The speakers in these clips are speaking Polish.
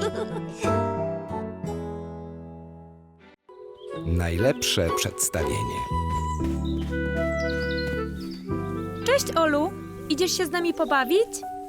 Najlepsze przedstawienie. Cześć, Olu. Idziesz się z nami pobawić?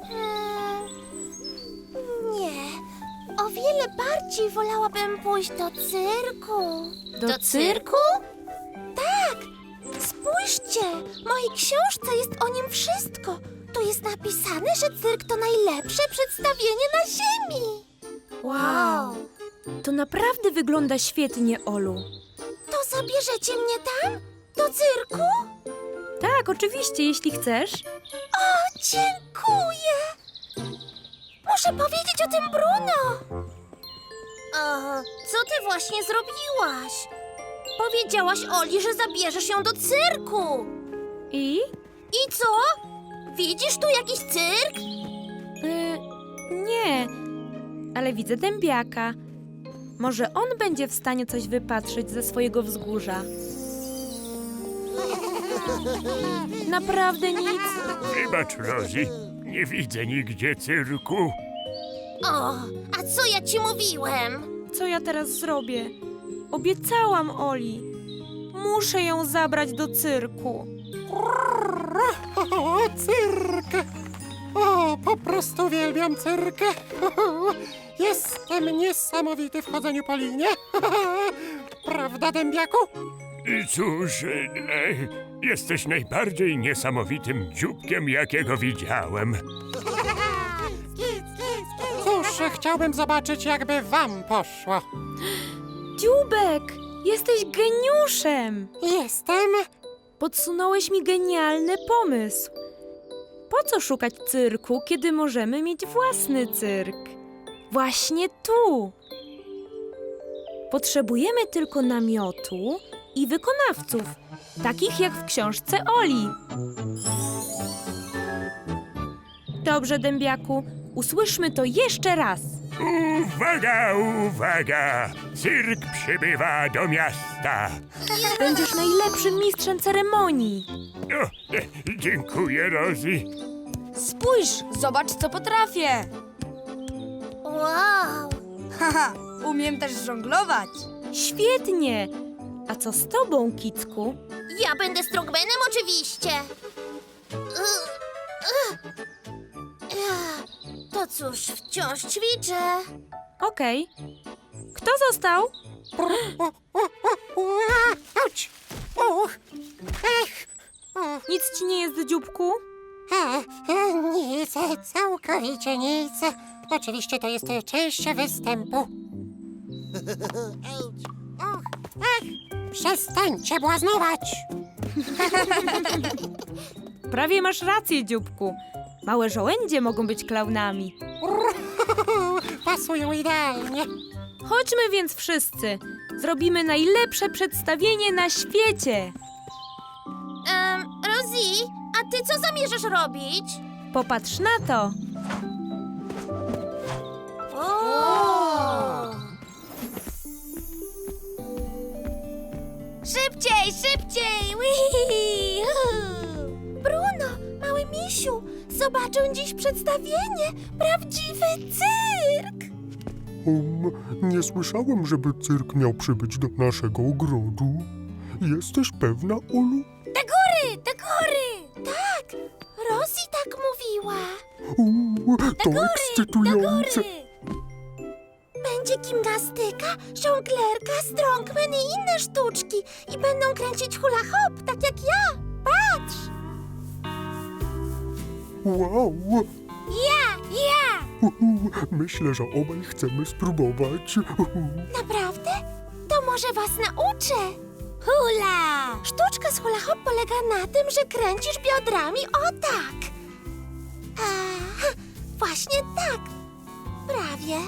Nie. O wiele bardziej wolałabym pójść do cyrku. Do cyrku? Tak. Spójrzcie. W mojej książce jest o nim wszystko. Tu jest napisane, że cyrk to najlepsze przedstawienie na ziemi. Wow. To naprawdę wygląda świetnie, Olu. To zabierzecie mnie tam? Do cyrku? Tak, oczywiście, jeśli chcesz. O, dziękuję. Muszę powiedzieć o tym Bruno. Co ty właśnie zrobiłaś? Powiedziałaś Oli, że zabierzesz ją do cyrku. I? I co? Widzisz tu jakiś cyrk? Nie, ale widzę dębiaka. Może on będzie w stanie coś wypatrzeć ze swojego wzgórza. Naprawdę nic? Wybacz, Rosie, nie widzę nigdzie cyrku. O, a co ja ci mówiłem? Co ja teraz zrobię? Obiecałam Oli. Muszę ją zabrać do cyrku. O, cyrk! O, po prostu uwielbiam cyrk! Jestem niesamowity w chodzeniu po linie. Prawda, dębiaku? Cóż, jesteś najbardziej niesamowitym dzióbkiem, jakiego widziałem. Cóż, chciałbym zobaczyć, jakby wam poszło. Dziubek, jesteś geniuszem! Jestem... Podsunąłeś mi genialny pomysł. Po co szukać cyrku, kiedy możemy mieć własny cyrk? Właśnie tu. Potrzebujemy tylko namiotu i wykonawców, takich jak w książce Oli. Dobrze, dębiaku, usłyszmy to jeszcze raz. Uwaga, uwaga! Cyrk przybywa do miasta. Będziesz najlepszym mistrzem ceremonii. O, dziękuję, Rosie. Spójrz, zobacz, co potrafię. Wow. Haha, umiem też żonglować. Świetnie! A co z tobą, Kicku? Ja będę strongmanem oczywiście. To cóż, wciąż ćwiczę. Okej. Kto został? Auć! Uch! Ech! Nic ci nie jest, dzióbku? Nic, całkowicie nic. Oczywiście to jest część występu. Och, ech! Przestańcie błaznować! Prawie masz rację, dzióbku. Małe żołędzie mogą być klaunami. Pasują idealnie. Chodźmy więc wszyscy. Zrobimy najlepsze przedstawienie na świecie. Rosie, a ty co zamierzasz robić? Popatrz na to. Szybciej, szybciej! Wii! Bruno, mały misiu, zobaczę dziś przedstawienie. Prawdziwy cyrk! Nie słyszałem, żeby cyrk miał przybyć do naszego ogrodu. Jesteś pewna, Olu? Do góry, do góry! Tak, Rosie tak mówiła. To ekscytujące. Będzie gimnastyka, żonglerka, strongman i inne sztuczki. I będą kręcić hula hop, tak jak ja. Patrz! Wow! Ja! Myślę, że obaj chcemy spróbować. Naprawdę? To może was nauczę. Hula! Sztuczka z hula hop polega na tym, że kręcisz biodrami o tak. Właśnie tak. Prawie.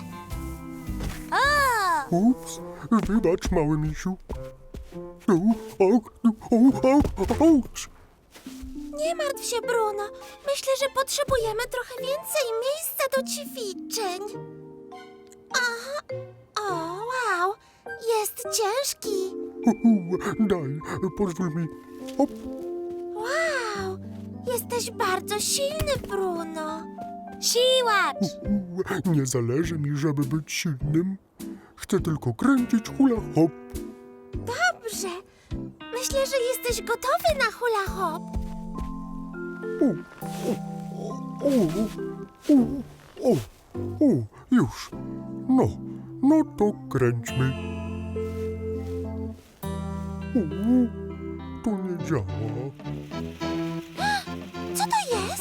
O! Ups, wybacz, mały misiu. Auć! Nie martw się, Bruno. Myślę, że potrzebujemy trochę więcej miejsca do ćwiczeń. O, wow. Jest ciężki. Daj, pozwól mi. Hop. Wow. Jesteś bardzo silny, Bruno. Siłacz! Nie zależy mi, żeby być silnym. Chcę tylko kręcić hula hop. Dobrze. Myślę, że jesteś gotowy na hula hop. O, już. No to kręćmy. To nie działa. Co to jest?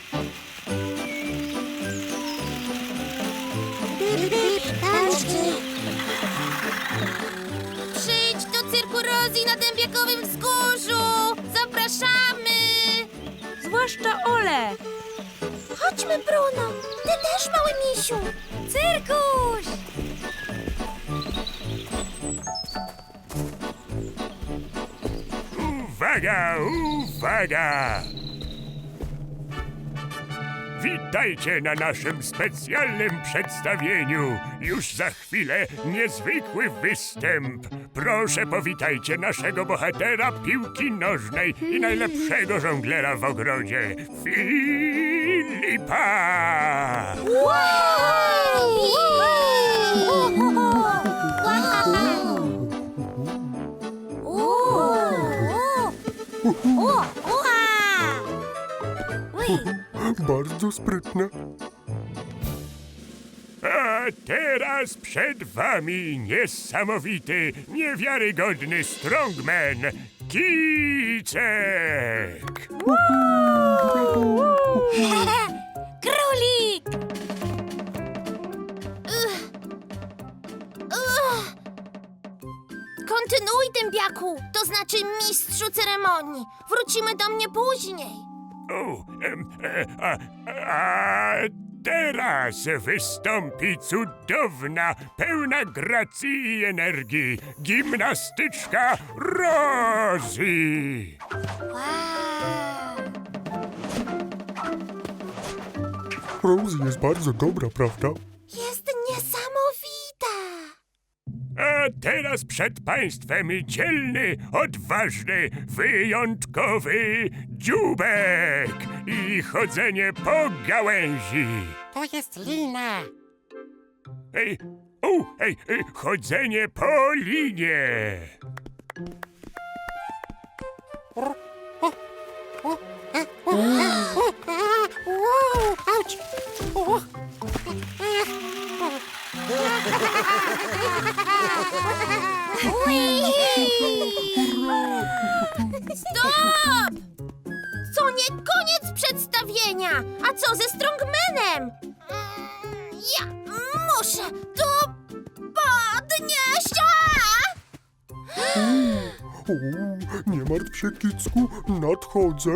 Przyjdź do cyrku Rosie na Dębiakowym Wzgórzu! Zapraszamy! Zwłaszcza Ole. Chodźmy, Bruno! Ty też, mały misiu! Cyrkuś! Uwaga, uwaga! Witajcie na naszym specjalnym przedstawieniu. Już za chwilę niezwykły występ. Proszę powitajcie naszego bohatera piłki nożnej i najlepszego żonglera w ogrodzie, Filipa! Bardzo sprytne. A teraz przed wami niesamowity, niewiarygodny strongman, Kicek! Królik! Kontynuuj, dębiaku, to znaczy mistrzu ceremonii. Wrócimy do mnie później. A teraz wystąpi cudowna, pełna gracji i energii gimnastyczka Rosie. Rosie jest bardzo dobra, prawda? Jest niesamowita. A teraz przed państwem dzielny, odważny, wyjątkowy dzióbek i chodzenie po gałęzi. To jest lina. Chodzenie po linie. Auć! O. Stop! To nie koniec przedstawienia. A co ze strongmanem? Ja muszę to podnieść. O, nie martw się, Kicku, nadchodzę.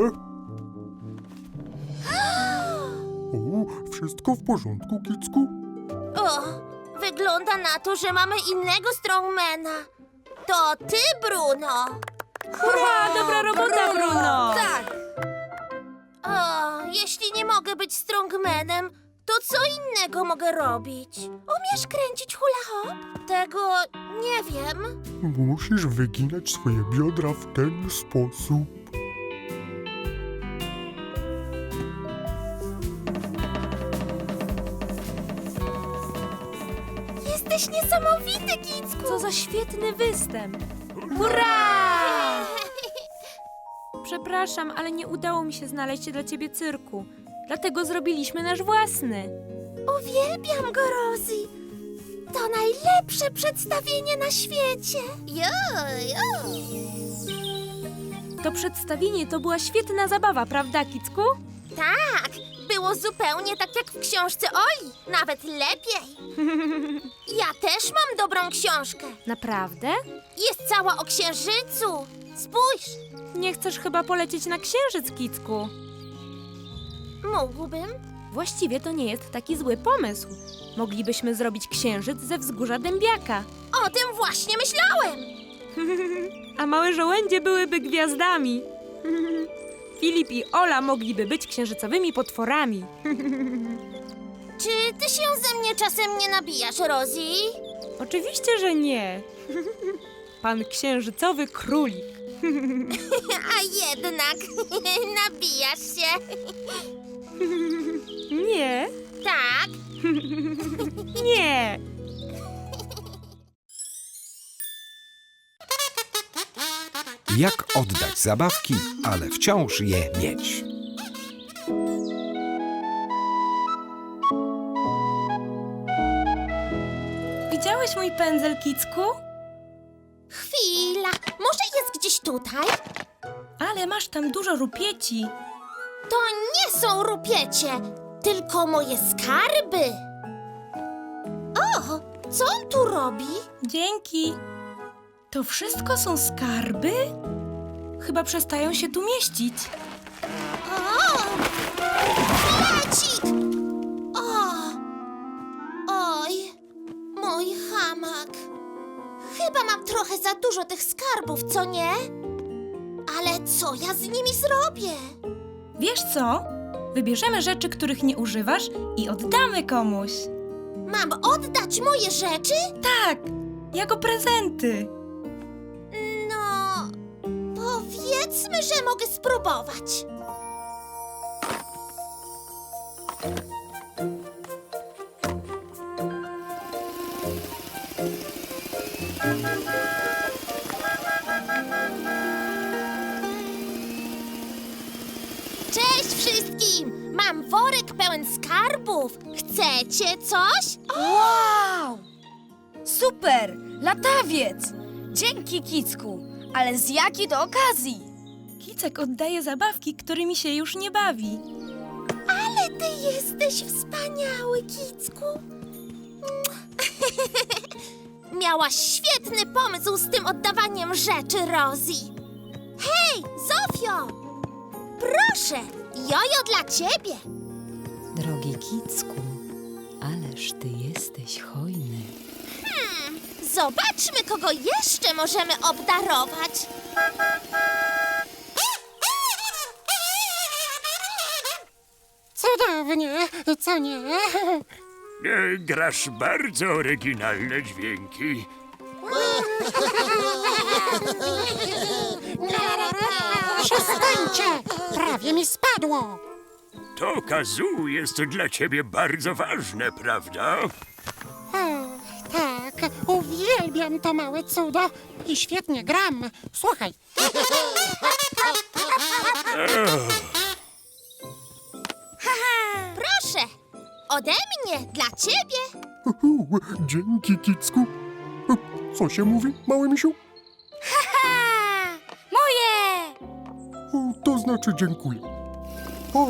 O, wszystko w porządku, Kicku? O, wygląda na to, że mamy innego strongmana. To ty, Bruno. Hurra, dobra robota, Bruno. Tak! O, jeśli nie mogę być strongmanem, to co innego mogę robić? Umiesz kręcić hula hop? Tego nie wiem. Musisz wyginać swoje biodra w ten sposób. Jesteś niesamowity, Kicku. Co za świetny występ. Hurra! Przepraszam, ale nie udało mi się znaleźć dla ciebie cyrku. Dlatego zrobiliśmy nasz własny. Uwielbiam go, Rosie. To najlepsze przedstawienie na świecie. To przedstawienie to była świetna zabawa, prawda, Kicku? Tak, było zupełnie tak jak w książce Oli. Nawet lepiej. Ja też mam dobrą książkę. Naprawdę? Jest cała o księżycu. Spójrz, Nie chcesz chyba polecieć na księżyc, Kicku? mógłbym. Właściwie to nie jest taki zły pomysł. Moglibyśmy zrobić księżyc ze wzgórza Dębiaka. O tym właśnie myślałem. A małe żołędzie byłyby gwiazdami. Filip i Ola mogliby być księżycowymi potworami. Czy ty się ze mnie czasem nie nabijasz, Rosie? Oczywiście, że nie. Pan księżycowy królik. A jednak nabijasz się. Nie, Tak. nie. Jak oddać zabawki, ale wciąż je mieć? Widziałeś mój pędzel, Kicku? Chwila. Może jest gdzieś tutaj? Ale masz tam dużo rupieci. To nie są rupiecie, tylko moje skarby. O, co on tu robi? Dzięki. To wszystko są skarby? Chyba przestają się tu mieścić. O! Bilecik! O! Oj, mój hamak. Chyba mam trochę za dużo tych skarbów, co nie? Ale co ja z nimi zrobię? Wiesz co? Wybierzemy rzeczy, których nie używasz i oddamy komuś. Mam oddać moje rzeczy? Tak, jako prezenty. No, powiedzmy, że mogę spróbować. Cześć wszystkim! Mam worek pełen skarbów. Chcecie coś? Wow! Super! Latawiec! Dzięki, Kicku! Ale z jakiej to okazji? Kicek oddaje zabawki, którymi się już nie bawi. Ale ty jesteś wspaniały, Kicku. Miałaś świetny pomysł z tym oddawaniem rzeczy, Rosie. Hej, Zofio! Proszę, jojo dla ciebie. Drogi Kicku, ależ ty jesteś hojny. Zobaczmy, kogo jeszcze możemy obdarować. Cudownie, co nie? Grasz bardzo oryginalne dźwięki. Przestańcie! Prawie mi spadło! To kazoo jest dla ciebie bardzo ważne, prawda? O, tak, uwielbiam to małe cudo i świetnie gram. Słuchaj. Proszę, ode mnie dla ciebie. Dzięki, Kicku. Co się mówi, mały misiu? Moje! To znaczy dziękuję. O,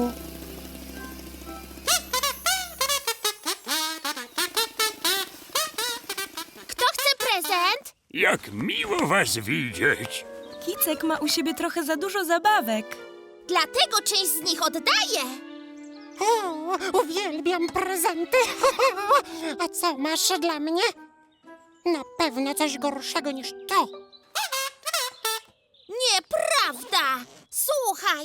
Kto chce prezent? Jak miło was widzieć. Kicek ma u siebie trochę za dużo zabawek. Dlatego część z nich oddaję. O, uwielbiam prezenty. A co masz dla mnie? Na pewno coś gorszego niż to. Nieprawda! Słuchaj,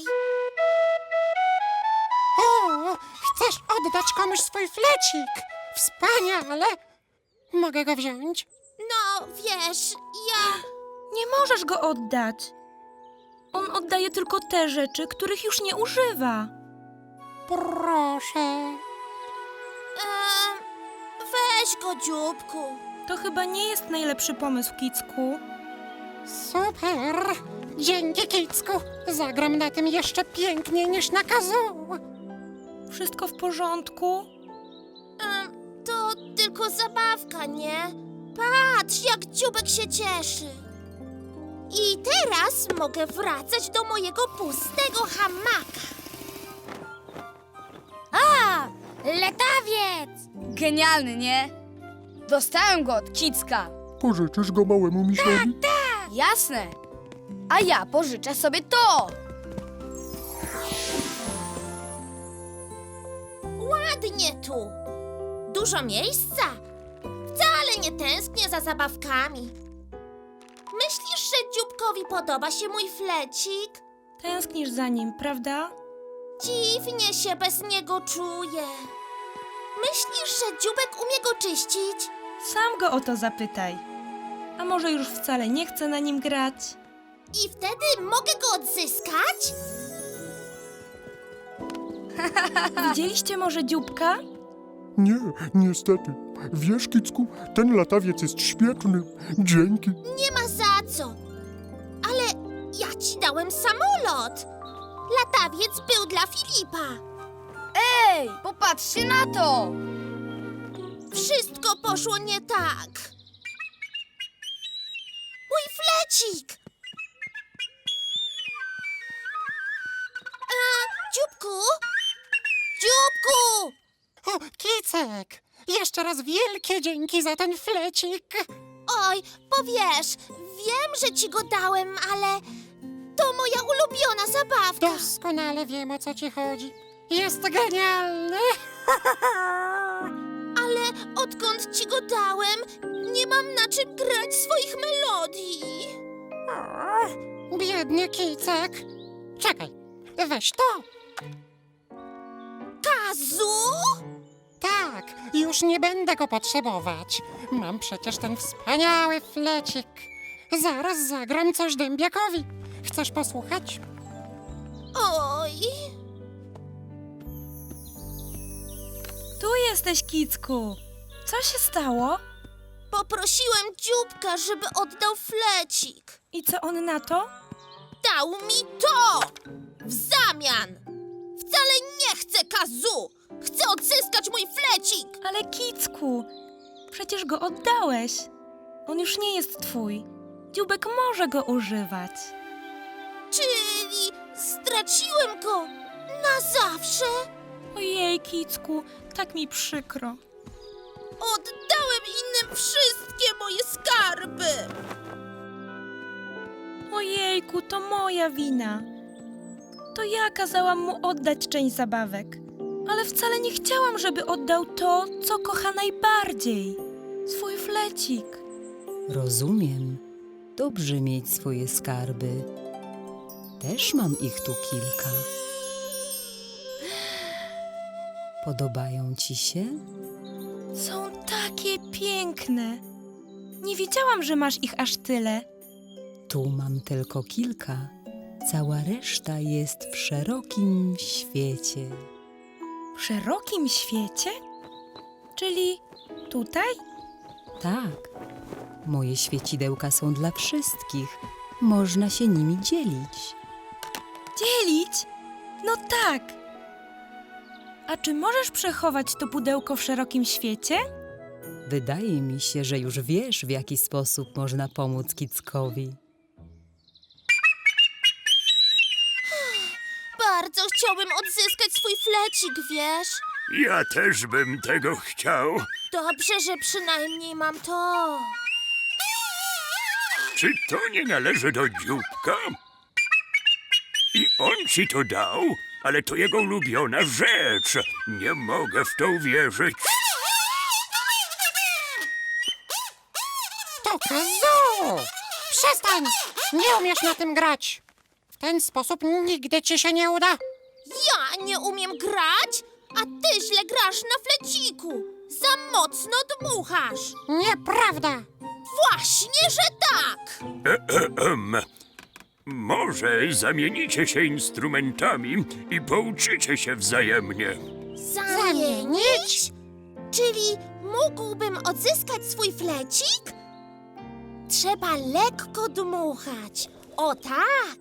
O, chcesz oddać komuś swój flecik? Wspaniale. Mogę go wziąć? no wiesz, ja... Nie możesz go oddać. On oddaje tylko te rzeczy, których już nie używa. Proszę. Weź go, dzióbku. To chyba nie jest najlepszy pomysł, Kicku. Super. Dzięki, Kicku. Zagram na tym jeszcze piękniej niż na kazoo. Wszystko w porządku? To tylko zabawka, nie? Patrz, jak dzióbek się cieszy. I teraz mogę wracać do mojego pustego hamaka. A! Latawiec! Genialny, nie? Dostałem go od Kicka. pożyczysz go małemu misiowi? Jasne. A ja pożyczę sobie to. Ładnie tu. Dużo miejsca. Wcale nie tęsknię za zabawkami. Myślisz, że dzióbkowi podoba się mój flecik? Tęsknisz za nim, prawda? Dziwnie się bez niego czuję. Myślisz, że dzióbek umie go czyścić? Sam go o to zapytaj. A może już wcale nie chce na nim grać? I wtedy mogę go odzyskać? Widzieliście może dzióbka? Nie, niestety. Wiesz, Kicku, ten latawiec jest świetny. Dzięki. Nie ma za co. Ale ja ci dałem samolot. Latawiec był dla Filipa. Ej, popatrzcie na to! Wszystko poszło nie tak. Mój flecik! Dzióbku? Dzióbku! O, Kicek! Jeszcze raz wielkie dzięki za ten flecik. Oj, powiesz, wiem, że ci go dałem, ale to moja ulubiona zabawka. Doskonale wiem, o co ci chodzi. Jest genialny. Ale odkąd ci go dałem, nie mam na czym grać swoich melodii. Biedny Kicek. Czekaj, weź to. Kazu? Tak, już nie będę go potrzebować. Mam przecież ten wspaniały flecik. Zaraz zagram coś dębiakowi. Chcesz posłuchać? Oj, Tu jesteś, Kicku. Co się stało? poprosiłem dzióbka, żeby oddał flecik. I co on na to? Dał mi to! W zamian! Wcale nie chcę Kazu! Chcę odzyskać mój flecik! Ale Kicku, przecież go oddałeś. On już nie jest twój. Dzióbek może go używać. Czyli straciłem go na zawsze? Ojej, Kicku, tak mi przykro. Oddałem innym wszystkie moje skarby! Ojejku, to moja wina. To ja kazałam mu oddać część zabawek. Ale wcale nie chciałam, żeby oddał to, co kocha najbardziej. Swój flecik. Rozumiem. Dobrze mieć swoje skarby. Też mam ich tu kilka. Podobają ci się? Są takie piękne. Nie wiedziałam, że masz ich aż tyle. Tu mam tylko kilka. Cała reszta jest w szerokim świecie. W szerokim świecie? Czyli tutaj? Tak, moje świecidełka są dla wszystkich. Można się nimi dzielić. Dzielić? No tak. A czy możesz przechować to pudełko w szerokim świecie? Wydaje mi się, że już wiesz, w jaki sposób można pomóc Kickowi. Bardzo chciałbym odzyskać swój flecik, wiesz? Ja też bym tego chciał. Dobrze, że przynajmniej mam to. Czy to nie należy do dzióbka? I on ci to dał? Ale to jego ulubiona rzecz. Nie mogę w to uwierzyć. To Kazu! Przestań! Nie umiesz na tym grać. W ten sposób nigdy ci się nie uda. Ja nie umiem grać, a ty źle grasz na fleciku. Za mocno dmuchasz. Nieprawda! Właśnie, że tak. Może zamienicie się instrumentami i pouczycie się wzajemnie. Zamienić? Czyli mógłbym odzyskać swój flecik? Trzeba lekko dmuchać. O tak!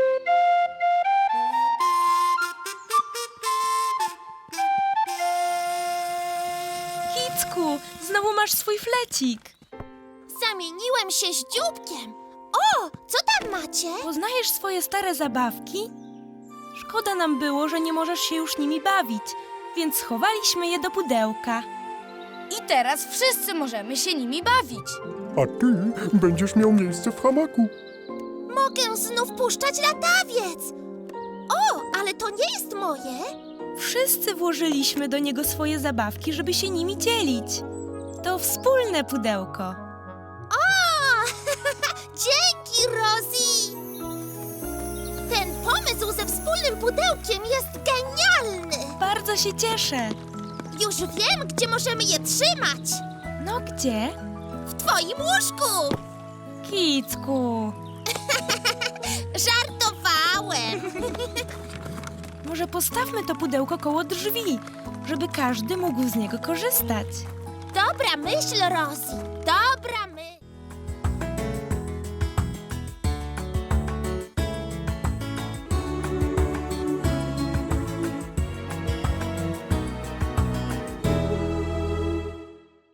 Kicku, znowu masz swój flecik. Zamieniłem się z dzióbkiem. O, co tam macie? Poznajesz swoje stare zabawki? Szkoda nam było, że nie możesz się już nimi bawić, więc schowaliśmy je do pudełka. I teraz wszyscy możemy się nimi bawić. A ty będziesz miał miejsce w hamaku. Mogę znów puszczać latawiec. O, ale to nie jest moje. Wszyscy włożyliśmy do niego swoje zabawki, żeby się nimi dzielić. To wspólne pudełko. O, dzięki, Rosie. Ten pomysł ze wspólnym pudełkiem jest genialny. Bardzo się cieszę. Już wiem, gdzie możemy je trzymać. No gdzie? W twoim łóżku. Kicku. Żartowałem. Może postawmy to pudełko koło drzwi, żeby każdy mógł z niego korzystać. Dobra myśl, Rosie. Dobra myśl.